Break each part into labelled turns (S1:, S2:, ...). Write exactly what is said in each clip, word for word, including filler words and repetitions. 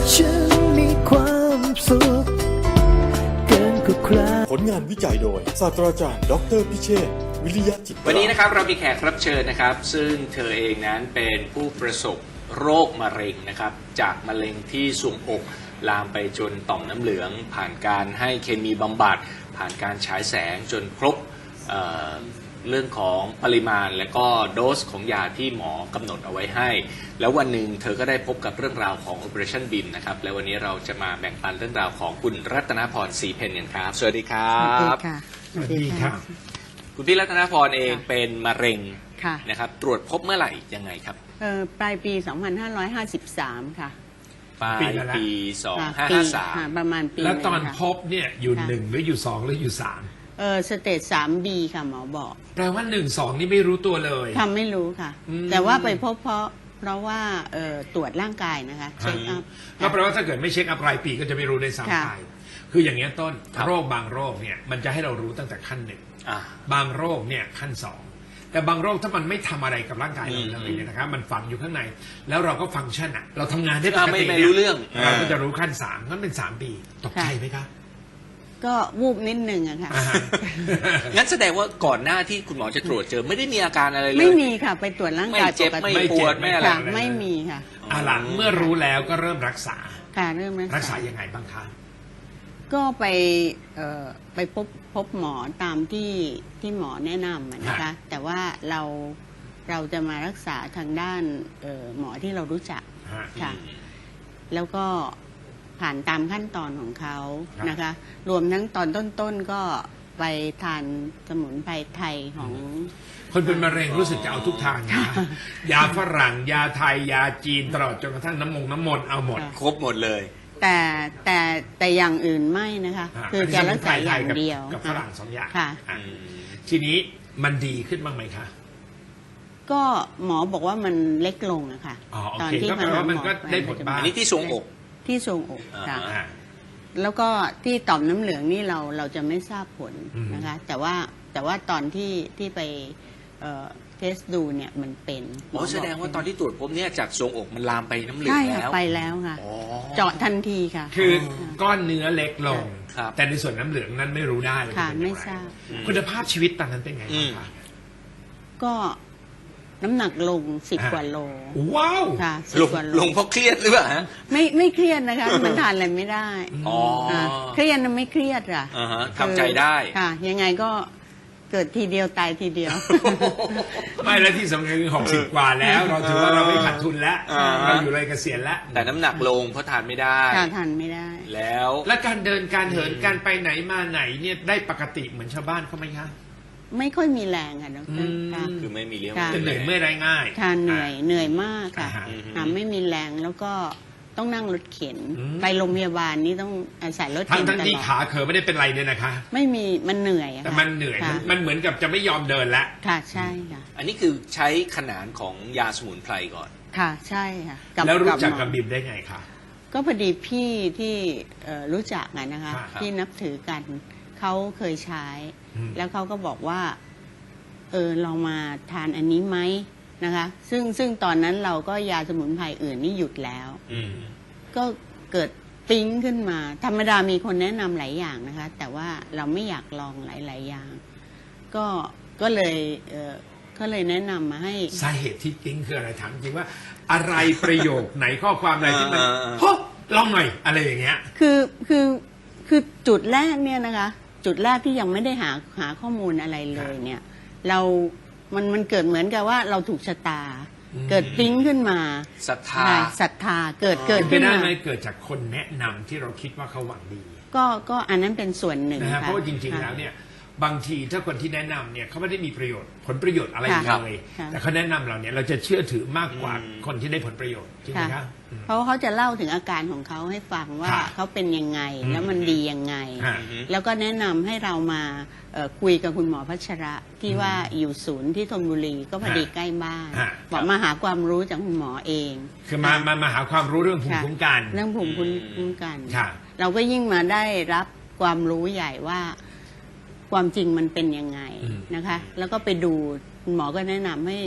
S1: ฉันมีความสุขเกินกว่าใคร
S2: ผลงานวิจัยโดยศาสตราจารย์ดรพิเชษฐ์วิริยะจิตรา
S3: วันนี้นะครับเรามีแขกรับเชิญนะครับซึ่งเธอเองนั้นเป็นผู้ประสบโรคมะเร็งนะครับจากมะเร็งที่ทรวงอกลามไปจนต่อมน้ำเหลืองผ่านการให้เคมีบำบัดผ่านการฉายแสงจนครบ เอ่อ เรื่องของปริมาณและก็โดสของยาที่หมอกำหนดเอาไว้ให้แล้ววันหนึ่งเธอก็ได้พบกับเรื่องราวของ Operationบี เอ็ม นะครับและวันนี้เราจะมาแบ่งปันเรื่องราวของคุณรัตนพรศรีเพญกันครับสวัสดีครับ
S4: สวัสดีค่ะ
S3: คุณพี่รัตนพรเองเป็นมะเร็ง
S4: ค่ะ
S3: นะครับตรวจพบเมื่อไหร่ยังไงครับ
S4: เอ่อปลายปี สองพันห้าร้อยห้าสิบสาม ค่ะ
S3: ปลายปี สอง
S4: ค่ะ
S3: พันห้าร้อยห้าสิบสาม
S4: ค่ะประมาณปี
S5: แล้วตอน
S4: หงค่ะ
S5: พบเนี่ยอยู่
S4: ค่ะ
S5: หนึ่งหรืออยู่สองหรืออยู่สาม
S4: เออสเตจสามบีค่ะหมอบอก
S5: แปลว่าหนึ่งสองนี่ไม่รู้ตัวเลย
S4: ทำไม่รู้ค่ะ
S5: อืม
S4: แต่ว่าไปพบเพราะเพราะว่าเอ่อตรวจร่างกายนะคะเช็คอัพ
S5: ก็แปลว่าถ้าเกิดไม่เช็คอัพรายปีก็จะไม่รู้ได้ซ้ำ
S4: ค่ะ
S5: ไปคืออย่างเงี้ยต้น
S3: ครับ
S5: โรคบางโรคเนี่ยมันจะให้เรารู้ตั้งแต่ขั้นหนึ่ง
S3: อ่า
S5: บางโรคเนี่ยขั้นสองแต่บางโรคถ้ามันไม่ทำอะไรกับร่างกายเรา
S3: อืม
S5: เลยเนี่ยนะครับมันฝังอยู่ข้างใน แล้วเราก็ฟังก์ชันอะเราทำงานได้ป
S3: อ่าก ไม่
S5: ติ
S3: ไม่
S5: นี่ย
S3: รู้เรื่อง
S5: เราก็จะรู้ขั้นสามนั่นเป็นสามปีตกใจไหมครับ
S4: ก็วูบนิดนึงอะค่ะ
S5: อ่าฮะ
S3: งั้นแสดงว่าก่อนหน้าที่คุณหมอจะตรวจเจอไม่ได้มีอาการอะไรเลย
S4: ไม่มีค่ะไปตรวจร่าง
S3: ไม่
S4: กาย
S3: เจ็บ
S4: ปก
S3: ไม่
S4: ติ
S3: ปวดไม่อะไร
S4: ค่ะไม่มีค่ะ
S5: อ่าหลังเมื่อรู้แล้วก็เริ่มรักษา
S4: ค่ะเริ่ม
S5: รักษายังไงบ้างคะ
S4: ก็ไปเอ่อไปพบพบหมอตามที่ที่หมอแนะนำอะนะคะ แต่ว่าเราเราจะมารักษาทางด้านเอ่อหมอที่เรารู้จัก
S5: ฮะ
S4: ค่ะ แล้วก็ผ่านตามขั้นตอนของเขา
S5: ครับ
S4: นะคะ รวมทั้งตอนต้นๆก็ไปทานสมุนไพรไทยของ
S5: คนเป็นมะเร็งรู้สึกจะเอาทุกทางนะ ยาฝรั่ง ยาไทย ยาจีนตลอดจนกระทั่งน้ำมงน้ำมนต์เอาหมด
S4: ค่ะ
S3: ครบหมดเลย
S4: แต่แต่แต่อย่างอื่นไม่นะคะ
S5: อ่า
S4: คือจะรักษาอย่าง
S5: กับ
S4: เดียว
S5: กับฝรั่งสองอย่าง
S4: ค่ะ
S5: อ่ะทีนี้มันดีขึ้นบ้างไหมคะ
S4: ก็หมอบอกว่ามันเล็กลงอะค่ะ
S5: อ๋อโอ
S4: ตอน
S5: เค
S4: ที่
S5: ก็แปลว่ามันก็ได้ผลบ้าง
S3: อันนี้ที่ทรวงอก
S4: ที่ทรวงอกค่ะ
S3: อ่า
S5: อ่า
S4: แล้วก็ที่ต่อมน้ำเหลืองนี่เราเราจะไม่ทราบผล
S5: อืม
S4: นะคะ แต่ว่าแต่ว่าตอนที่ที่ไปเอ่อเทสดูเนี่ยมันเป็น
S3: หมอแสดงว่าตอนที่ตรวจพบเนี่ยจากทรวงอกมันลามไปน้ำเหลือง
S4: ใช่ค่ะ
S3: แล้ว
S4: ไปแล้วค่ะ
S3: อ๋อ
S4: เจาะทันทีค่ะ
S5: คือก้อนเนื้อเล็กลง
S3: ครับ
S5: แต่ในส่วนน้ำเหลืองนั้นไม่รู้ได้เลย
S4: ค่ะ
S5: เป็นอย่ง
S4: ไม่ทราบ
S5: คุณภาพชีวิตตอนนั้นเป็นไงบ้างคะ
S4: ก็น้ำหนักลงสิบ
S5: อ่ะ
S4: กว่าโล
S5: ว้าว
S4: ค่ะสิ
S3: ล
S4: บ
S3: ง
S4: กว่าโล
S3: ลงเพราะเครียดหรือเปล่าฮะ
S4: ไม่ไม่เครียดนะคะ มันทานอะไรไม่ได้
S3: อ๋อ
S4: ค่ะเครียดนะไม่เครียดอ่ะ
S3: อ่าฮะทำใจได้
S4: ค่ะ ยังไงก็เกิดทีเดียวตายทีเดียว
S5: ไม่แล้วที่สำคัญคือหกสิบกว่าแล้ว เราถือว่าเราไม่ขาดทุนแล้ว
S3: อ่า
S5: เราอยู่เลยเกษียณแล้ว
S3: แต่น้ำหนักลงเพราะทานไม่ได้
S4: ค่ะทานไม่ได้
S3: แล้ว
S5: และการเดินการเหินการไปไหนมาไหนเนี่ยได้ปกติเหมือนชาวบ้านเขาไหมคะ
S4: ไม่ค่อยมีแรงค่ะด
S5: อื
S4: ร
S5: ม
S4: ค่ะ
S3: คือไม่มีเลี้ยง
S4: ค่ะ
S5: จะเหนื่อยเมื่อยได้ง่าย
S4: ทานเหนื่อยเหนื่อยมากค่ะ
S5: อ่าฮะ
S4: ค่ะไม่มีแรงแล้วก็ต้องนั่งรถเข็น
S5: อืม
S4: ไปโรงพยาบาลนี่ต้องอาศัยรถ
S5: ทั้
S4: เข็
S5: ง
S4: น
S5: ทั้ง
S4: ต
S5: ที่
S4: ลอด
S5: ขาเขอไม่ได้เป็นไรเนี่ยนะคะ
S4: ไม่มีมันเหนื่อยอะ
S5: แต่
S4: ค่ะ
S5: มันเหนื่อย
S4: ค่ะ
S5: มันมันเหมือนกับจะไม่ยอมเดินแล้ว
S4: ค่ะใช่ค่ะ
S3: อันนี้คือใช้ขนานของยาสมุนไพรก่อน
S4: ค่ะใช่ค่ะ
S5: แล้วรู้จัก
S4: หมอ
S5: กับบิมได้ไงคะ
S4: ก็พอดีพี่ที่เอ่อรู้จักอะนะคะ
S5: ครับ
S4: ที่นับถือกันเขาเคยใช้
S5: อืม
S4: แล้วเขาก็บอกว่าเออลองมาทานอันนี้ไหมนะคะ ซึ่งซึ่งตอนนั้นเราก็ยาสมุนไพรอื่นนี่หยุดแล้ว
S3: อืม
S4: ก็เกิดปิ๊งขึ้นมา ธรรมดามีคนแนะนำหลายอย่างนะคะ แต่ว่าเราไม่อยากลองหลาย ๆ อย่าง ก็ก็เลยเออก็เลยแนะนำมาให้
S5: สาเหตุที่ติ้งคืออะไรถามจริงว่า อะไรประโยคไหนข้อความอะไรที่มัน
S3: อ่าอ่า
S5: โฮ้ลองหน่อยอะไรอย่างเงี้ย
S4: คือคือคือจุดแรกเนี่ยนะคะ จุดแรกที่ยังไม่ได้หาหาข้อมูลอะไรเลยเนี่ย เรา มันมันเกิดเหมือนกับว่าเราถูกชะตา
S5: อืม
S4: เกิดปิ๊งขึ้นมา
S3: ศรัทธา
S4: ใช่ศรัทธาเกิด
S3: อ๋อ
S4: เกิด
S5: เป็นไป
S4: ขึ้น
S5: ได้
S4: มา
S5: ไหมเกิดจากคนแนะนำที่เราคิดว่าเขาหวังดี
S4: ก็ก็อันนั้นเป็นส่วนหนึ่ง
S5: นะฮะ
S4: ค่
S5: เพราะว่าจริง ๆ
S4: ค่ะ
S5: แล้วเนี่ยบางทีถ้าคนที่แนะนำเนี่ยเขาไม่ได้มีประโยชน์ผลประโยชน์อะไร
S4: ค่ะ
S5: เลย
S4: ค่ะ
S5: แต่เขาแนะนำเราเนี่ยเราจะเชื่อถือมากกว่า
S3: อืม
S5: คนที่ได้ผลประโยชน์จริงไหม
S4: ค่ะ
S5: ครับอืม
S4: เพราะว่าเขาจะเล่าถึงอาการของเขาให้ฟังว่า
S5: ค่ะ
S4: เขาเป็นยังไง
S5: อืม
S4: แล้วมันดียังไง
S5: ฮะ
S4: แล้วก็แนะนำให้เรามาเอ่อคุยกับคุณหมอพัชระที่ว่าอยู่ศูนย์ที่ธนบุรีก็พอดี
S5: ฮะ
S4: ใกล้บ้าน
S5: ฮะ
S4: บอกมาหาความรู้จากคุณหมอเอง
S5: คือมามามาหาความรู้เรื่องภูมิ
S4: ค่ะ
S5: คุ้มกัน
S4: เรื่องภูมิคุ้มกัน
S5: ค่ะ
S4: เราก็ยิ่งมาได้รับความรู้ใหญ่ว่าความจริงมันเป็นยังไง
S5: อืม
S4: นะคะ แล้วก็ไปดูคุณหมอก็แนะนำให้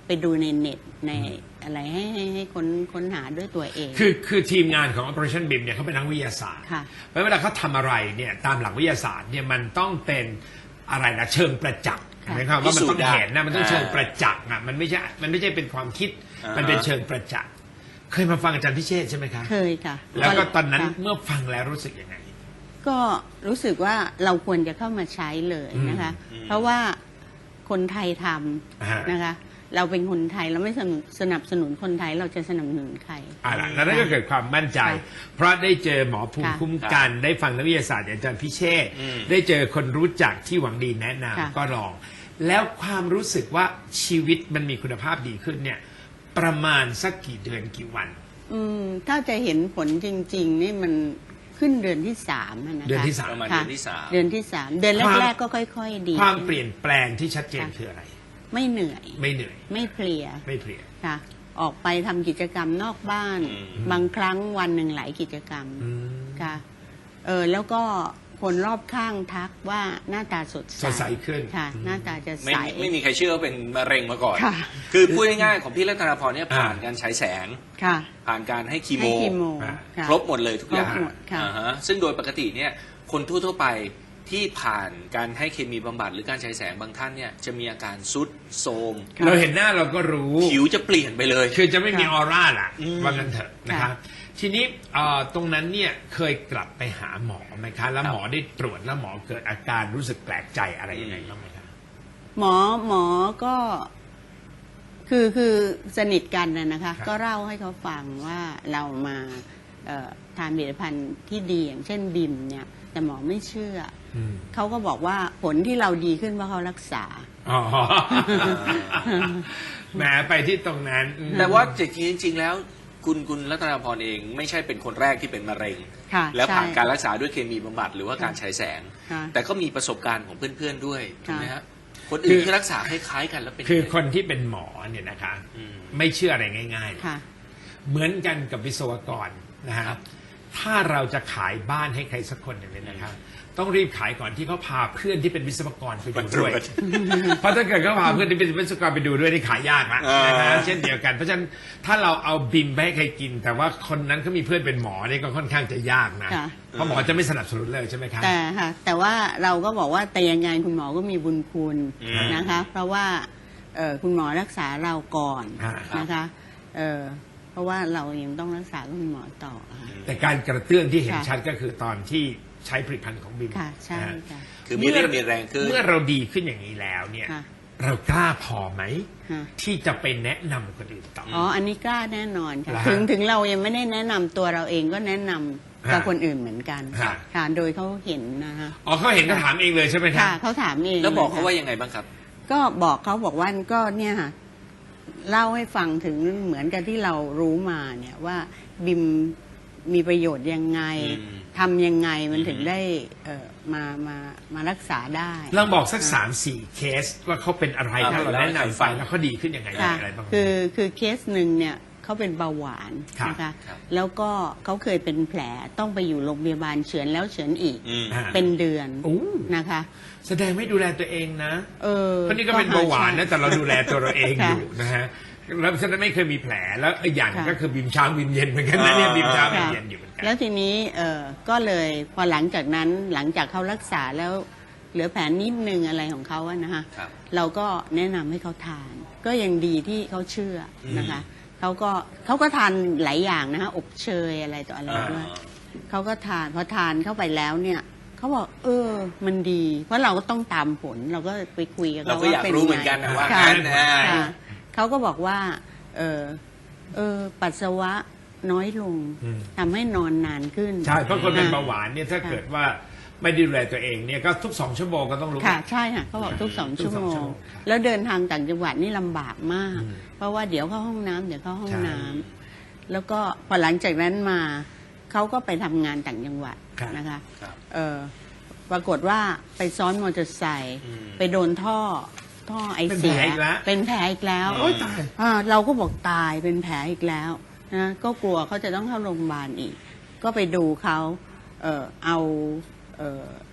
S4: ไปดูในเน็ตในอะไรให้ให้ให้ค้นค้นหาด้วยตัวเอง
S5: คือคือทีมงานของ Operationบี ไอ เอ็ม เนี่ยเขาเป็นนักวิทยาศาสตร์
S4: ค่ะ
S5: เพราะเวลาเขาทำอะไรเนี่ยตามหลักวิทยาศาสตร์เนี่ยมันต้องเป็นอะไรนะเชิงประจักษ์
S4: ค่ะ
S5: หมายความว่ามันต้องเห็นนะมันต้อง
S3: อ่า
S5: เชิงประจักษ์อ่ะมันไม่ใช่มันไม่ใช่เป็นความคิด
S3: อ่าฮะ
S5: มันเป็นเชิงประจักษ์เคยมาฟังอาจารย์พิเชษฐ์ใช่ไหมคะ
S4: เคยค่ะ
S5: แล้วก็ตอนนั้น
S4: ค่ะ
S5: เมื่อฟังแล้วรู้สึกยังไง
S4: ก็รู้สึกว่าเราควรจะเข้ามาใช้เลยนะคะ
S3: อืม
S4: เพราะว่าคนไทยท
S5: อ่า
S4: ำนะคะ เราเป็นคนไทยเราไม่สนับสนับสนุนคนไทยเราจะสนับสนุนใคร
S5: อ่าล่ะแล้วนั่นก็เกิดความมั่นใจ
S4: ค่ะ
S5: เพราะได้เจอหมอภูมิ
S4: ค่ะ
S5: คุ้มกัน ได้ฟังนักวิทยาศาสตร์อย่างอาจารย์พิเชษฐ์
S3: อืม
S5: ได้เจอคนรู้จักที่หวังดีแนะ
S4: ค่ะ
S5: นำก็ลอง แล้วความรู้สึกว่าชีวิตมันมีคุณภาพดีขึ้นเนี่ยประมาณสักกี่เดือนกี่วัน
S4: อืมถ้าจะเห็นผลจริง ๆ นี่มันขึ้นเดือนที่สามอะนะคะ
S5: เดือนที่สาม
S3: ประมาณ
S4: ค่ะ
S3: เดือนที่สาม
S4: เดือนที่สามเดือน
S5: ความ
S4: แรกๆก็ค่อย ๆ ดี
S5: ความ
S4: ขึ้น
S5: เปลี่ยนแปลงที่ชัดเจน
S4: ค่ะ
S5: คืออะไร
S4: ไม่เหนื่อย
S5: ไม่เหนื่อย
S4: ไม่เพลีย
S5: ไม่เพลีย
S4: ค่ะ ออกไปทำกิจกรรมนอกบ้าน
S3: อืม
S4: บางครั้งวันหนึ่งหลายกิจกรรม
S5: อืม
S4: ค่ะเออแล้วก็คนรอบข้างทักว่าหน้าตาสดใส
S5: สดใสขึ้น
S4: ค่ะ หน้าตาจะ
S3: ไม่
S4: ใส
S3: ไม่มีใครเชื่อว่าเป็นมะเร็งมาก่อน
S4: ค่ะ
S3: คือพูดง่ายๆของพี่รัตนาพรเนี่ย
S5: อ่า
S3: ผ่านการฉายแสง
S4: ค่ะ
S3: ผ่านการให้คีโม
S4: ให้คีโม
S5: อ่า
S4: ค่ะ
S3: ครบหมดเลยทุกอย่าง
S4: ครบหมดค่ะ
S3: อ่าฮะซึ่งโดยปกติเนี่ยคนทั่วๆไปที่ผ่านการให้เคมีบำบัดหรือการฉายแสงบางท่านเนี่ยจะมีอาการซุดโทรม
S4: ค่ะ
S5: เราเห็นหน้าเราก็รู้
S3: ผิวจะเปลี่ยนไปเลย
S5: คือจะไม่มีอ
S4: ค่ะ
S5: อร่าล่ะ
S3: อืม
S5: ว่างั้นเถอะนะครับ ทีนี้เอ่อตรงนั้นเนี่ยเคยกลับไปหาหมอไหมคะ แล้วหมอได้ตรวจแล้วหมอเกิดอาการรู้สึกแปลกใจอะไรยังไงบ้างไหมคะ
S4: หมอหมอก็คือคือสนิทกันนะนะคะ
S5: ครับ
S4: ก็เล่าให้เขาฟังว่าเรามาเอ่อทานผลิตภัณฑ์ที่ดีอย่างเช่นบิมเนี่ย แต่หมอไม่เชื่อ
S5: อืม
S4: เขาก็บอกว่าผลที่เราดีขึ้นเพราะเขารักษา
S5: อ๋อแหมไปที่ตรงนั้นอืม
S3: แต่ว่าจริงๆแล้วคุณคุณรัตนาพรเองไม่ใช่เป็นคนแรกที่เป็นมะเร็ง
S4: ค่ะ
S3: แล้วผ่าน
S4: ใช่
S3: การรักษาด้วยเคมีบำบัดหรือว่าการฉายแสง
S4: ค่ะ
S3: แต่ก็มีประสบการณ์ของเพื่อนๆด้วยถูกไหม
S4: ค่ะ
S3: ฮะคนอื่นที่รักษาคล้ายๆกันแล้วเป็น
S5: คือ
S3: ยังไง
S5: คนที่เป็นหมอเนี่ยนะคะ
S3: อืม
S5: ไม่เชื่ออะไรง่ายๆหรอก
S4: ค่ะ
S5: เหมือนกันกับวิศวกรนะฮะ
S3: ครับ
S5: ถ้าเราจะขายบ้านให้ใครสักคนหนึ่งเนี่ยนะครับ ต้องรีบขายก่อนที่เขาพาเพื่อนที่เป็นวิศวกรไปดูด้วย เพราะถ้าเกิดเขาพาเพื่อนที่เป็นวิศวกรไปดูด้วยนี่ขายยากละ
S3: อ่าน
S5: นะฮะเช่นเดียวกัน เพราะฉะนั้นถ้าเราเอาบิมไปให้ใครกิน แต่ว่าคนนั้นเขามีเพื่อนเป็นหมอนี่ก็ค่อนข้างจะยากนะ
S4: ค่ะ
S5: เพราะหมอจะไม่สนับสนุนเลยใช่ไหมครับ
S4: แต่ค่ะแต่ว่าเราก็บอกว่าแต่ยังไงคุณหมอก็มีบุญคุณ
S3: อืม
S4: นะคะ เพราะว่าเอ่อคุณหมอรักษาเราก่อน
S5: อ่า
S4: นะคะเอ่อเพราะว่าเรายังต้องรักษาคุณหมอต่อค่ะ
S5: แต่การกระเตื้องที่เห็น
S4: ค่ะ
S5: ชัดก็คือตอนที่ใช้ผลิตภัณฑ์ของบิม
S4: ค่ะใช่
S5: นะฮะ
S4: ค่ะ
S3: คือมีเรี่ยวมีแรงขึ้น
S5: เมื่อเราดีขึ้นอย่างนี้แล้วเนี่ย
S4: ค่ะ
S5: เรากล้าพอไหม
S4: ค่ะ
S5: ที่จะไปแนะนำคนอื่นต่ออ
S4: อ๋อ อันนี้กล้าแน่นอนค่ะ
S5: เหรอฮะ
S4: ถึงถึงเรายังไม่ได้แนะนำตัวเราเองก็แนะนำกับ
S5: ฮะ
S4: คนอื่นเหมือนกัน
S5: ฮะ
S4: ค่ะโดยเขาเห็นนะคะ
S5: อ๋อเขาเห็นเขาถามเองเลยใช่ไหมครั
S4: ค่ะ
S5: บ
S4: เขาถามเอง
S3: แล้วบอก
S4: ลย
S3: เขา
S4: ค่ะ
S3: ว่ายังไงบ้างครับ
S4: ก็บอกเขาบอกว่าก็เนี่ยค่ะเล่าให้ฟังถึงเหมือนกับที่เรารู้มาเนี่ยว่าบิมมีประโยชน์ยังไง
S3: อืม
S4: ทำยังไงมัน
S3: อืม
S4: ถึงได้เอ่อมามามารักษาได้
S5: ลองบอกสักสามสี่เคสว่าเขาเป็นอะไร
S3: อ่า
S5: ถ้าเราแนะนำ
S3: ฟั
S5: ไป
S3: ง
S5: แล้วเขาดีขึ้นยังไง
S4: ค่ะ
S5: อะไรบ้าง
S4: คือคือเคสหนึ่งเนี่ยเขาเป็นเบาหวาน
S5: ครับ
S4: นะคะ
S3: ครับ
S4: แล้วก็เขาเคยเป็นแผลต้องไปอยู่โรงพยาบาลเฉือนแล้วเฉือนอีก
S3: อืม
S5: อ่า
S4: เป็นเดือน
S5: โอ้
S4: นะคะ
S5: แสดงไม่ดูแลตัวเองนะ
S4: เออ
S5: เพราะนี่ก็เป็นเบาหวานนะแต่เราดูแลตัวเราเอง
S4: ค่ะ
S5: อยู่นะฮะแล้วฉันไม่เคยมีแผลแล้วอีกอย่าง
S4: ค่ะ
S5: ก็คือบิมเช้าบิมเย็นเหมือนกันนะเนี่ย
S3: อ่า
S5: บิมเช้าบิม
S4: ค่ะ
S5: เย็นอยู่เหมือนกัน
S4: แล้วทีนี้เออก็เลยพอหลังจากนั้นหลังจากเขารักษาแล้วเหลือแผลนิดนึงอะไรของเขาอะนะคะ
S3: ครับ
S4: เราก็แนะนำให้เขาทาน ก็ยังดีที่เขาเชื่อนะคะเขาก็เขาก็ทานหลายอย่างนะคะอบเชยอะไรต่ออะไรด้วยเขาก็ทานพอทานเข้าไปแล้วเนี่ยเขาบอกเออมันดี เพราะเราก็ต้องตามผลเราก็ไปคุยกับ
S3: เรา
S4: เขา
S3: ก็อยาก
S4: ว่าเป็น
S3: รู้
S4: ไง
S3: เหมือนกันนะว่า
S4: ค่ะ
S3: งั้นนะ
S4: ค่ะเขาก็บอกว่า เออเออปัสสาวะน้อยลง
S5: อืม
S4: ทำให้นอนนานขึ้น
S5: ใช่เพราะคนเป็น
S4: ค่ะ
S5: เบาหวานเนี่ยถ้า
S4: ค่ะ
S5: เกิดว่าไม่ดูแลตัวเองเนี่ยก็ทุกสองชั่วโมงก็ต้องลุก
S4: ค่ะใช่ค่ะเขาบอกทุกสอง
S5: ทุก
S4: ชั่ว
S5: สอง
S4: โม
S5: ชั่ว
S4: ง
S5: โมงครับ
S4: แล้วเดินทางต่างจังหวัดนี่ลำบากมาก
S5: อืม
S4: เพราะว่าเดี๋ยวเข้าห้องน้ำเดี๋ยวเข้าห้อง
S5: ใช่
S4: น้ำแล้วก็พอหลังจากนั้นมาเขาก็ไปทำงานต่างจังหวัด
S5: ครับ
S4: นะคะ
S3: ครับ
S4: เออปรากฏว่าไปซ้อนมอเตอร์ไซค์
S3: อืม
S4: ไปโดนท่อท่อไอ
S5: เป็น
S4: เสี
S5: แผล
S4: ย
S5: อีกแล้ว
S4: เป็นแผลอีกแล้ว
S3: โอ๊ยตาย
S4: อ่าเราก็บอกตายเป็นแผลอีกแล้วนะก็กลัวเขาจะต้องเข้าโรงพยาบาลอีก ก็ไปดูเขาเออเอาเออ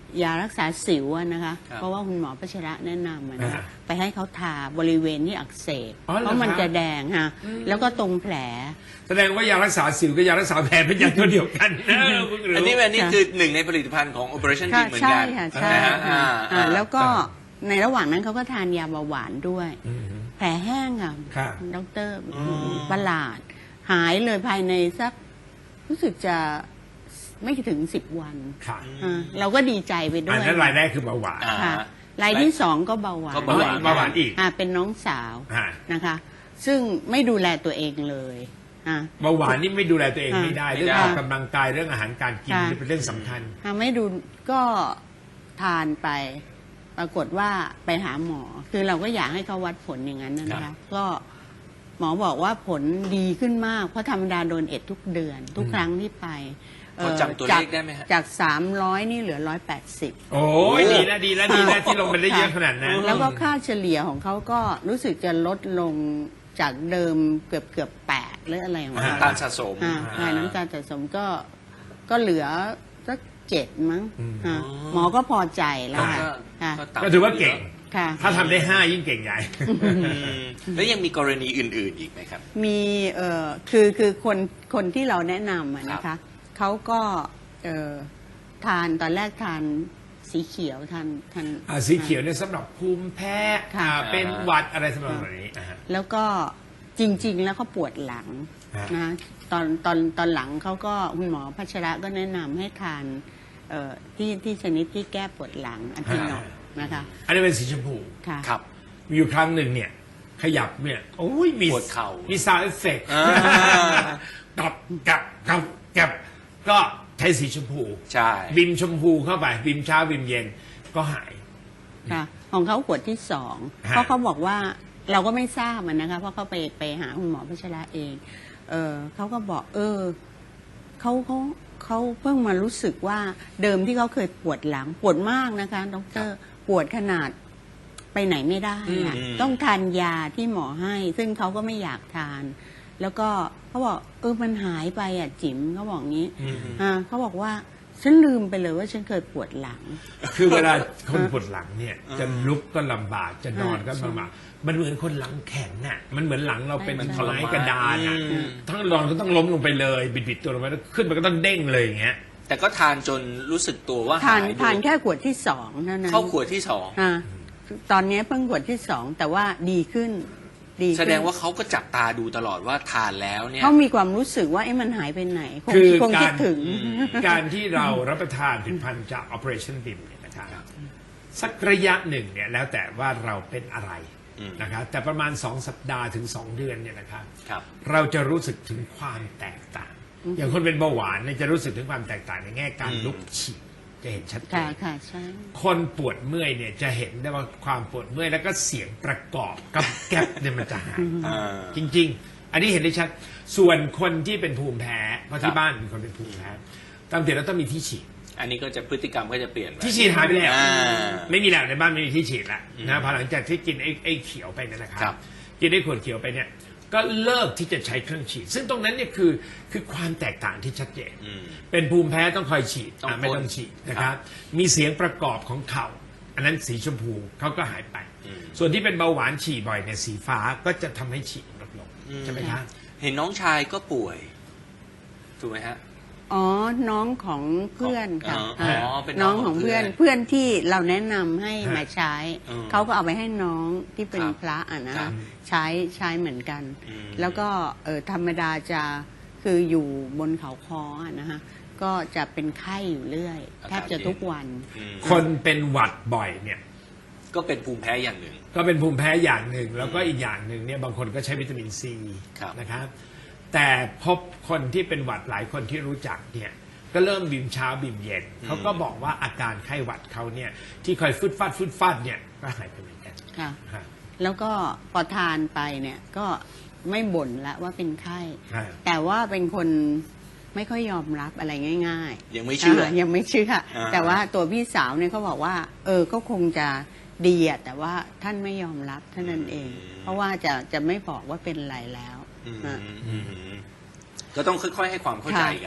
S4: ยารักษาสิวอะนะคะ
S3: ครับ
S4: เพราะว่าคุณหมอพัชระแนะนำอะนะคะ
S5: อ่า
S4: ไปให้เขาทาบริเวณที่อักเสบ
S5: อ๋อเหรอ
S4: เพราะมัน
S5: ครับ
S4: จะแดงค่ะแล้วก็ตรงแผล
S5: แสดงว่ายารักษาสิวกับยารักษาแผลเป็นยาตัวเดียวกันนะเพิ่งรู้
S3: อันนี้อันนี้
S4: ค่ะ
S3: คือหนึ่งในผลิตภัณฑ์ของ Operation
S4: ค่ะ
S3: Beam เหมือน
S4: ใช่
S3: กัน
S4: ค่ะใช่
S3: นะฮะ
S4: ค่ะ
S3: อ่า
S4: อ่า
S3: อ่า
S4: แล้วก็ในระหว่างนั้นเขาก็ทานยาเบาหวานด้วย
S5: อืม
S4: แผลแห้งค่ะ
S5: ครับ
S4: ดอกเตอรประหลาด หายเลยภายในสักรู้สึกจะไม่ถึงสิบวัน
S5: ค่ะ
S4: อ่าเราก็ดีใจไปด้
S5: อั
S4: วน ย
S5: นั้นรายแรกคือเบาหวาน
S3: อ่า
S4: ค่ะรายที่สองก็เบาหวาน
S3: ก็เบาหวาน
S5: เบาหวานอีก
S4: อ่าเป็นน้องสาว
S5: อ่า
S4: นะคะ ซึ่งไม่ดูแลตัวเองเลยอ่า
S5: เบาหวานนี่ไม่ดูแลตัวเอง
S4: อ่า
S5: ไม่ได้
S3: ไม่
S5: เรื่อง
S3: ได้
S5: ออกกำลังกายเรื่องอาหารการกิน
S4: ค่ะ
S5: นี่เป็นเรื่องสำคัญ
S4: อ่าไม่ดูก็ทานไป ปรากฏว่าไปหาหมอ คือเราก็อยากให้เขาวัดผลอย่างนั้นนะ
S5: ครั
S4: คะ
S5: บ
S4: ก็หมอบอกว่าผลดีขึ้นมาก เพราะธรรมดาโดนเอ็ดทุกเดือน ทุกครั้งที่ไป
S3: พอจำตัวเลขได้ไหมฮะ
S4: จากสามร้อยนี่เหลือร้อยแปดสิบ
S5: โอ้ยดีนะดีนะดีนะที่ลงไปได้เยอะขนาดนั้น
S4: แล้วก็ค่าเฉลี่ยของเขาก็รู้สึกจะลดลงจากเดิมเกือบเกือบแปดหรืออะไรของเขา
S3: น้ำตาลสะสม
S4: อ่าใช่น้ำตาลสะสมก็ก็เหลือสักเจ็ดมั้งอ่าหมอก็พอใจแล้วค่ะ
S3: ก็
S4: ค่ะ
S3: ต่ำ
S5: ก็ถือว่าเก่ง
S4: ค่ะ
S5: ถ้าทำได้ห้ายิ่งเก่งใหญ่
S3: อืมแล้วยังมีกรณีอื่น ๆ อีกไหมครับ
S4: มีเอ่อคือคือคนคนที่เราแนะนำอะนะ
S3: ครั
S4: คะ
S3: บ
S4: เขาก็เอ่อทานตอนแรกทานสีเขียวทานทาน
S5: อ่าสีเขียวเนี่ยสำหรับภูมิแพ้
S4: ค่ะ
S5: อ่าเป็นหวัดอะไรสำหรับแบบนี้อ่าฮะ
S4: แล้วก็จริง ๆ แล้วเขาปวดหลัง
S5: ฮะ
S4: นะตอนตอนตอนหลังเขาก็คุณหมอพัชระก็แนะนำให้ทานเอ่อที่ที่ชนิดที่แก้ปวดหลังอันที่นอกนะคะ
S5: อันนี้เป็นสีชมพู
S4: ค่ะ
S3: ครับ
S5: มีอยู่ครั้งหนึ่งเนี่ย ขยับเนี่ยโอ้ยมี
S3: ปวดเข่ามี
S5: มีซาวด์เอฟเฟกต์
S3: อ่า
S5: กับกับกับกับก็ใช้สีชมพู
S3: ใช่
S5: บิมชมพูเข้าไปบิมเช้าบิมเย็นก็หาย
S4: ค่ะของเขาขวดที่สอง
S5: ฮะ
S4: เพราะเขาบอกว่าเราก็ไม่ทราบมันนะคะ เพราะเขาไปไปหาคุณหมอพัชระเอง เออเขาก็บอก เออเขาเขาเขาเพิ่งมารู้สึกว่าเดิมที่เขาเคยปวดหลังปวดมากนะคะดอกเตอรปวดขนาดไปไหนไม่ได้อะ
S3: อืม
S4: ต้องทานยาที่หมอให้ ซึ่งเขาก็ไม่อยากทาน แล้วก็เขาบอกเออมันหายไปอ่ะจิ๋มเขาบอกงี้อ่าเขาบอกว่าฉันลืมไปเลยว่าฉันเคยปวดหลัง
S5: คือเวลาคนปวดหลังเนี่ย จะลุกก็ลำบากจะนอนก็
S4: ใช่
S5: ลำบากมันเหมือนคนหลังแข็งน่ะมันเหมือนหลังเราเป็น
S4: ใช่
S5: ไม้กระดานอ่ะ
S3: อืม
S5: ทั้งนอนก็ต้องล้มลงไปเลย บิดๆตัวลงไปแล้วขึ้นมันก็ต้องเด้งเลยอย่างเงี้ย
S3: แต่ก็ทานจนรู้สึกตัวว่า
S4: ทาน
S3: หาย
S4: ทาน
S3: ด้วย
S4: แค่ขวดที่สองเท่านั้น
S3: เข้าขวดที่สอง
S4: อ่าตอนนี้เพิ่งขวดที่สองแต่ว่าดีขึ้นดีขึ้น
S3: แสดงว่าเขาก็จับตาดูตลอดว่าทานแล้วเนี่ย
S4: เขามีความรู้สึกว่าเอ๊ะมันหายไปไหน คง
S5: คือ
S4: คง
S5: กา
S4: คิด
S5: ร
S4: ถึง
S5: การที่เรารับประทานผลิตภัณฑ์จาก Operationบี เอ็ม เนี่ยนะครับสักระยะหนึ่งเนี่ยแล้วแต่ว่าเราเป็นอะไร
S3: อืม
S5: นะครับแต่ประมาณสองสัปดาห์ถึงสองเดือนเนี่ยนะครับ
S3: ครับ
S5: เราจะรู้สึกถึงความแตกต่าง อย่างคนเป็นเบาหวานเนี่ยจะรู้สึกถึงความแตกต่างในแง่การ
S3: อืม
S5: ลุกฉี่จะเห็นชัดเจ
S4: ค่ะ
S5: น
S4: ค่ะใช่
S5: คนปวดเมื่อยเนี่ยจะเห็นได้ว่าความปวดเมื่อยแล้วก็เสียงประกอบกับแก๊บเนี่ยมันจะหาย
S3: อ่า
S5: จริง ๆ อันนี้เห็นได้ชัด ส่วนคนที่เป็นภูมิแพ้ เพราะ
S3: ครั
S5: ที่
S3: บ
S5: บ้านมีคนเป็นภูมิแพ้ตามเด็กแล้วต้องมีที่ฉีด
S3: อันนี้ก็จะพฤติกรรมก็จะเปลี่ยนไป
S5: ที่ฉีดหายไปแล้ว
S3: อ่า
S5: ไม่มีแล้วในบ้านไม่มีที่ฉีดแล้ว
S3: อืม
S5: นะพอหลังจากที่กินไอ้ไอ้เขียวไปเนยนะครั
S3: ครับ
S5: กินไอ้ขวดเขียวไปเนี่ย ก็เลิกที่จะใช้เครื่องฉีด ซึ่งตรงนั้นเนี่ยคือคือความแตกต่างที่ชัดเจน
S3: อืม
S5: เป็นภูมิแพ้ต้องคอยฉีด
S3: ต้อง
S5: อ่ะไม่
S3: พ่น
S5: ต้องฉีดนะ
S3: ค
S5: ค
S3: รั
S5: รับ บ มีเสียงประกอบของเข่า อันนั้นสีชมพูเขาก็หายไป
S3: อืม
S5: ส่วนที่เป็นเบาหวานฉี่บ่อยเนี่ยสีฟ้าก็จะทำให้ฉี่ลดลง
S3: อืม
S5: ใช่ไหมครับ
S3: เห็นน้องชายก็ป่วย ถูกไหมฮะ
S4: อ๋อน้องของเพื่อนค่ะ
S3: อ๋อ
S4: ค่ะ
S3: อ๋อเป็นน้
S4: น้
S3: อ
S4: อง ง
S3: ข
S4: ข
S3: อ
S4: อง ง
S3: เพื่
S4: เพื่
S3: อ
S4: อน นเพื่อนที่เราแนะนำให้
S5: ฮะ
S4: มาใช้
S3: อืม
S4: เขาก็เอาไปให้น้องที่เป็น
S3: ครับ
S4: พระอ่ะนะครับ ใช้ใช้เหมือนกัน
S3: อืม
S4: แล้วก็เออธรรมดาจะคืออยู่บนเขาคออะนะฮะก็จะเป็นไข้อยู่เรื่อยแทบจะทุกวัน
S3: อืม
S5: คนเป็นหวัดบ่อยเนี่ย
S3: ก็เป็นภูมิแพ้อย่างหนึ่ง
S5: ก็เป็นภูมิแพ้อย่างหนึ่ง แล้วก็อีกอย่างหนึ่งเนี่ยบางคนก็ใช้วิตามินซี
S3: ครับ
S5: นะครับ แต่พบคนที่เป็นหวัดหลายคนที่รู้จักเนี่ยก็เริ่มบิมเช้าบิมเย็นเขาก็บอกว่าอาการไข้หวัดเขาเนี่ยที่คอยฟึดฟัดฟึดฟัดเนี่ยก็หายไปเหมือนกัน
S4: ค่ะ
S5: ฮะ
S4: แล้วก็พอทานไปเนี่ยก็ไม่บ่นละว่าเป็นไข้
S5: ฮะ
S4: แต่ว่าเป็นคนไม่ค่อยยอมรับอะไรง่ายๆ
S3: ยังไม่เชื่ออ่
S4: ายังไม่เชื่อ
S3: อ่า
S4: แต่ว่าตัวพี่สาวเนี่ยเขาบอกว่า เออก็คงจะดีอะแต่ว่าท่านไม่ยอมรับเท่านั้นเอง เพราะว่าจะจะไม่บอกว่าเป็นอะไรแล้ว
S3: อืม
S4: อ่ะ
S3: อืมก็ต้องค่อยๆให้ความเข้าใจกัน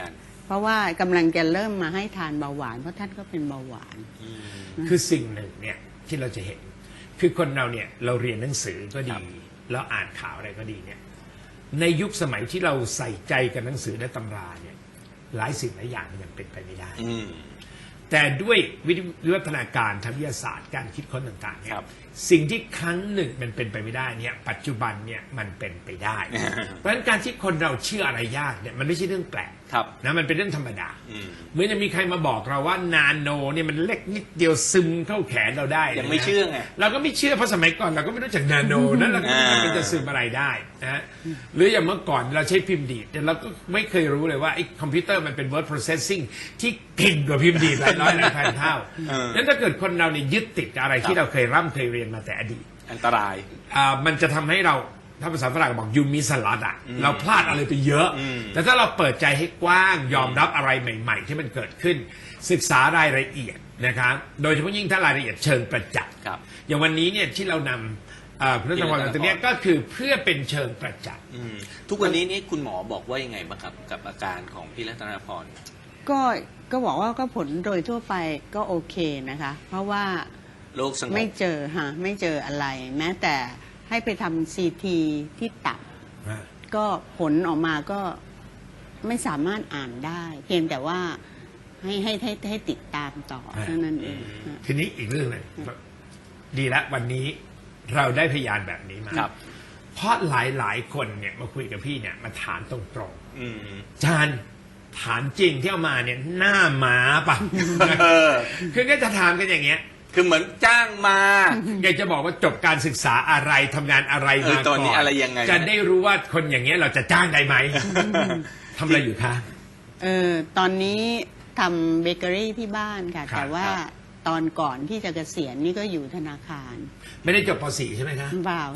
S4: เพราะว่ากำลังจะเริ่มมาให้ทานเบาหวานเพราะท่านก็เป็นเบาหวาน
S5: คือสิ่งหนึ่งเนี่ยที่เราจะเห็น คือคนเราเนี่ยเราเรียนหนังสือก็ดีแล้วอ่านข่าวอะไรก็ดีเนี่ยในยุคสมัยที่เราใส่ใจกับหนังสือและตำราเนี่ยหลายสิ่งหลายอย่างมันยังเป็นไปไม่ได้
S3: อืม
S5: แต่ด้วยวิวัฒนาการทางวิทยาศาสตร์การคิดค้นต่างๆเนี่ย
S3: ครับ
S5: สิ่งที่ครั้งหนึ่งมันเป็นไปไม่ได้เนี่ยปัจจุบันเนี่ยมันเป็นไปได้ เพราะฉะนั้นการที่คนเราเชื่ออะไรยากเนี่ยมันไม่ใช่เรื่องแปลก
S3: ครับ
S5: นะมันเป็นเรื่องธรรมดา
S3: อืม
S5: เหมือนจะมีใครมาบอกเราว่านาโนเนี่ยมันเล็กนิดเดียวซึมเข้าแขนเราได้
S3: ยังไม่เชื่อไง
S5: เราก็ไม่เชื่อเพราะสมัยก่อนเราก็ไม่รู้จักนาโนนั้นเราก็ไม่รู้ว่ามันจะซึมอะไรได้นะหรืออย่างเมื่อก่อนเราใช้พิมพ์ดีดแต่เราก็ไม่เคยรู้เลยว่าไอ้คอมพิวเตอร์มันเป็น word processing ที่เก่งกว่าพิมพ์ดีดหลายร้อยหลายพันเท่า
S3: เออ
S5: นั้นถ้าเกิดคนเราเนี่ยยึดติดกับอะไรที่เราเคยร่ำเคยเรียนมาแต่อดีต
S3: อันตราย
S5: อ่ามันจะทำให้เราถ้าภาษาฝรั่งบอกยูมิสลัดอ่ะ
S3: อืม
S5: เราพลาดอะไรไปเยอะ
S3: อืม
S5: แต่ถ้าเราเปิดใจให้กว้างยอมรับอะไรใหม่ ๆ ที่มันเกิดขึ้น ศึกษารายละเอียดนะครับโดยเฉพาะยิ่งถ้ารายละเอียดเชิงประจักษ์
S3: ครับ
S5: อย่างวันนี้เนี่ยที่เรานำอ่าคุณธนพรมาตรงเนี้ยก็คือเพื่อเป็นเชิงประจักษ์
S3: อืมทุกวันนี้นี่คุณหมอบอกว่ายังไงบ้างครับ กับอาการของพี่รัตนาพร
S4: ก็ก็บอกว่าก็ผลโดยทั่วไปก็โอเคนะคะ เพราะว่า
S3: โรคสงบ
S4: ไม่เจอฮะไม่เจออะไร แม้แต่ให้ไปทำซีทีที่ตับ ก็ผลออกมาก็ไม่สามารถอ่านได้ เพียงแต่ว่าให้ให้ให้ให้ติดตามต่อ
S5: อ่า
S4: เท่านั้นเองฮะ
S5: ทีนี้อีกเรื่องหนึงดีแล้ววันนี้เราได้พยานแบบนี้มา
S3: ครับ
S5: เพราะหลายๆคนเนี่ยมาคุยกับพี่เนี่ยมาถามตรง
S3: อืม
S5: ๆจานถามจริงที่เอามาเนี่ยหน้าหมาปะ
S3: เออ
S5: คือก็จะถามกันอย่างเงี้ย
S3: คือเหมือนจ้างมา
S5: อยากจะบอกว่าจบการศึกษาอะไรทำงานอะไร
S3: เออ
S5: มา
S3: ต
S5: ก่
S3: อ
S5: อน น
S3: นี้อะไรยังไง
S5: จะได้รู้ว่าคนอย่างเงี้ยเราจะจ้างได้ไหมทำอะไรอยู่คะ
S4: เออตอนนี้ทำเบเกอรี่ที่บ้านค่ะ
S5: ครับ
S4: แต่ว่า
S3: ครับ
S4: ตอนก่อนที่จะเกษียณนี่ก็อยู่ธนาคาร
S5: ไม่ได้จบป .สี่ ใช่ไหมคะ
S4: เปล่า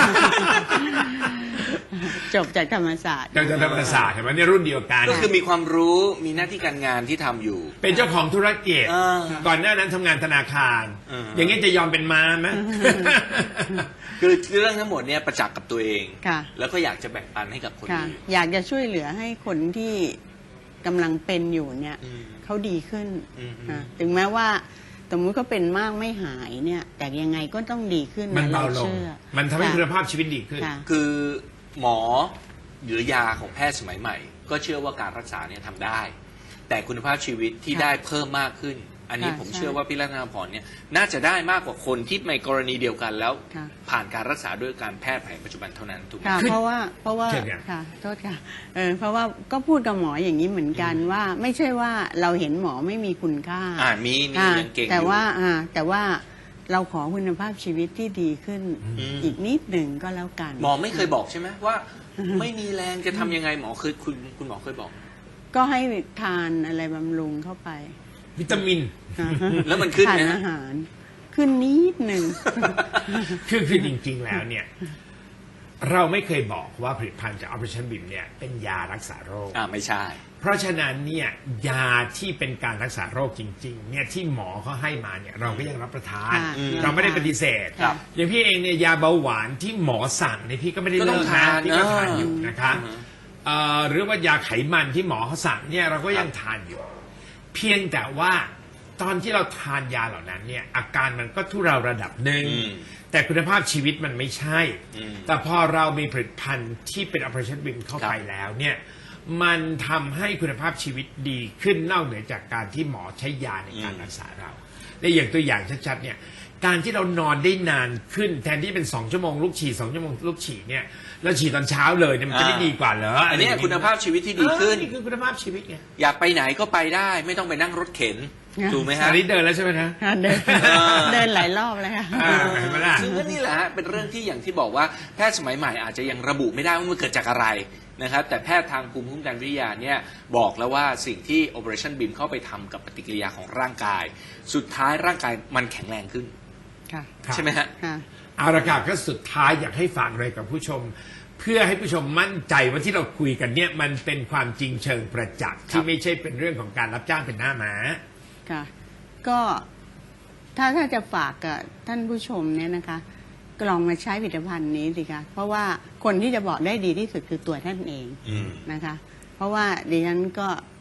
S4: จบจากธรรมศาสตร์
S5: จากธรรมศาสตร์เห็นไหมเนี่ยรุ่นเดียวกัน
S3: ก็คือมีความรู้มีหน้าที่การงานที่ทำอยู่
S5: เป็นเจ้าของธุรกิจ
S3: เออ
S5: ก่อนหน้านั้นทำงานธนาคาร
S3: เออ
S5: อ
S3: อย่าง
S5: เงี้ยจะยอมเป็นม้าไหม
S3: คือเรื่องทั้งหมดเนี่ยประจักษ์กับตัวเอง
S4: ค่ะ
S3: แล้วก็อยากจะแบ่งปันให้กับคน
S4: ค่ะ
S3: อื่น
S4: อยากจะช่วยเหลือให้คนที่กำลังเป็นอยู่เนี่ย
S3: อืม
S4: เขาดีขึ้น
S3: อืม
S4: นะถึงแม้ว่าสมมุติเขาเป็นมากไม่หายเนี่ย แต่ยังไงก็ต้องดีขึ้น
S5: มันเบาลง
S4: ชื่อ
S5: มันทำให้
S4: ค่ะ
S5: คุณภาพชีวิตดีขึ้น
S4: ค่ะ
S3: คือหมอหรือยาของแพทย์สมัยใหม่ ก็เชื่อว่าการรักษาเนี่ยทำได้ แต่คุณภาพชีวิตที่
S4: ค่ะ
S3: ได้เพิ่มมากขึ้น อันนี้
S4: ค่ะ
S3: ผม
S4: ใช่
S3: เชื่อว่าพี่รัตนาพรเนี่ยน่าจะได้มากกว่าคนที่ในกรณีเดียวกันแล้ว
S4: ค่ะ
S3: ผ่านการรักษาด้วยการแพทย์แผนปัจจุบันเท่านั้นถูกไหม
S4: ค่ะ
S5: ขึ้น
S4: เพราะว่าเพราะว่า
S5: เชิญค่ะ
S4: ค่ะโทษค่ะเออเพราะว่าก็พูดกับหมออย่างนี้เหมือนกันว่าไม่ใช่ว่าเราเห็นหมอไม่มีคุณค่า
S3: อ่ามีมี
S4: อ่า
S3: ยังเก่งอยู่
S4: แต่ว่าอ่าแต่ว่าเราขอคุณภาพชีวิตที่ดีขึ้น
S3: อืม
S4: อีกนิดหนึ่งก็แล้วกัน
S3: หมอไม่เคยบอกใช่ไหมว่า ไม่มีแรงจะทำยังไงหมอเคยคุณคุณหมอเคยบอก
S4: ก็ให้ทานอะไรบำรุงเข้าไป
S5: วิตามิน
S3: แล้วมันขึ้น
S4: ทาน
S3: ไหมฮะ
S4: อาหาร ขึ้นนิดหนึ่ง
S5: คือคือจริงๆแล้วเนี่ย เราไม่เคยบอกว่าผลิตภัณฑ์จาก Operationบี เนี่ยเป็นยารักษาโรค
S3: อ่าไม่ใช่
S5: เพราะฉะนั้นเนี่ยยาที่เป็นการรักษาโรคจริงๆเนี่ยที่หมอเขาให้มาเนี่ยเราก็ยังรับประทาน
S4: ค่ะ
S3: อืม
S5: เราไม่ได้ปฏิเสธ
S3: ครับ
S5: อย่างพี่เองเนี่ยยาเบาหวานที่หมอสั่งเนี่ยพี่ก็ไม่ได้
S3: ก็ต้
S5: เลิ
S3: อง
S5: ก
S3: ทา
S5: นะ
S3: น
S5: พี่ก็
S3: เออ
S5: ทานอยู่นะคะ
S3: อือฮะ
S5: เอ่อหรือว่ายาไขมันที่หมอเขาสั่งเนี่ยเราก็ยังทานอยู่ เพียงแต่ว่าตอนที่เราทานยาเหล่านั้นเนี่ยอาการมันก็ทุเราระดับหนึ่ง
S3: อืม
S5: แต่คุณภาพชีวิตมันไม่ใช่
S3: อืม
S5: แต่พอเรามีผลิตภัณฑ์ที่เป็น Operationบี เข้าไปแล้วเนี่ยมันทำให้คุณภาพชีวิตดีขึ้นนอกเหนือจากการที่หมอใช้ยาในการ
S3: อืม
S5: รักษาเรา และอย่างตัวอย่างชัดๆเนี่ยการที่เรานอนได้นานขึ้นแทนที่เป็นสองชั่วโมงลูกฉี่สองชั่วโมงลูกฉี่เนี่ยเราฉี่ตอนเช้าเลยเนี่ยมันจะได้ดีกว่าเหรอ
S3: อั
S5: อั
S3: นเนี้ยคุณภาพชีวิตที่ดีขึ้น
S5: นี่คือคุณภาพชีวิตไง
S3: อยากไปไหนก็ไปได้ ไม่ต้องไปนั่งรถเข็น
S4: อ่า
S3: ถูกไหมฮะ
S5: อันนี้เดินแล้วใช่ไหมนะ
S4: เดิน
S3: อ่า
S4: เดินหลายรอบเลยค่ะ
S5: อ่าเห็นไหมล่ะ
S3: ซึ่งก็นี่แหละฮะเป็นเรื่องที่อย่างที่บอกว่าแพทย์สมัยใหม่อาจจะยังระบุไม่ได้ว่ามันเกิดจากอะไรนะครับแต่แพทย์ทางภูมิคุ้มกันวิทยาเนี่ยบอกแล้วว่าสิ่งที่ Operationบี เข้าไปทำกับปฏิกิริยาของร่างกาย สุดท้ายร่างกายมันแข็งแรงขึ้น
S4: ค่ะ
S5: ครับ
S3: ใช่ไหมฮะ
S4: ค่ะ
S5: เอาละครับก็สุดท้ายอยากให้ฝากอะไรกับผู้ชม เพื่อให้ผู้ชมมั่นใจว่าที่เราคุยกันเนี่ยมันเป็นความจริงเชิงประจักษ์
S3: ครั
S5: ที่
S3: บ
S5: ไม่ใช่เป็นเรื่องของการรับจ้างเป็นหน้าม้า
S4: ค่ะ ก็ถ้าถ้าจะฝากกับท่านผู้ชมเนี่ยนะคะก็ลองมาใช้ผลิตภัณฑ์นี้สิคะเพราะว่าคนที่จะบอกได้ดีที่สุดคือตัวท่านเอง
S3: อืม
S4: นะคะ เพราะว่าดิฉันก็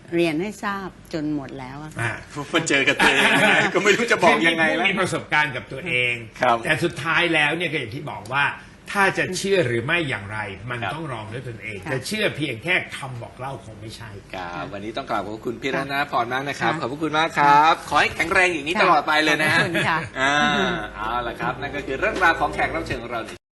S4: เรียนให้ทราบจนหมดแล้วอะค่ะ
S5: อ่า
S3: มาเจอกับตัวเอง ก็ไม่รู้จะบอกยังไง
S5: คือ
S3: แล้ว
S5: มีประสบการณ์กับตัวเอง
S3: ครับ
S5: แต่สุดท้ายแล้วเนี่ยก็อย่างที่บอกว่า ถ้าจะเชื่อหรือไม่อย่างไร มัน
S3: ครับ
S5: ต้องลองด้วยตนเอง
S4: ค่ะ
S5: แต่เชื่อเพียงแค่คำบอกเล่าคงไม่ใช่
S3: ครับวันนี้ต้องกราบขอบคุณพี่รัตนาพรมากนะครับ
S4: ค่ะ
S3: ขอบพระคุณมากครับ ขอให้แข็งแรงอย่างนี้ตลอดไปเลยนะ
S4: ขอบคุณค่ะ
S3: อ่าเอาละครับ นั่นก็คือเรื่องราวของแขกรับเชิญของเรา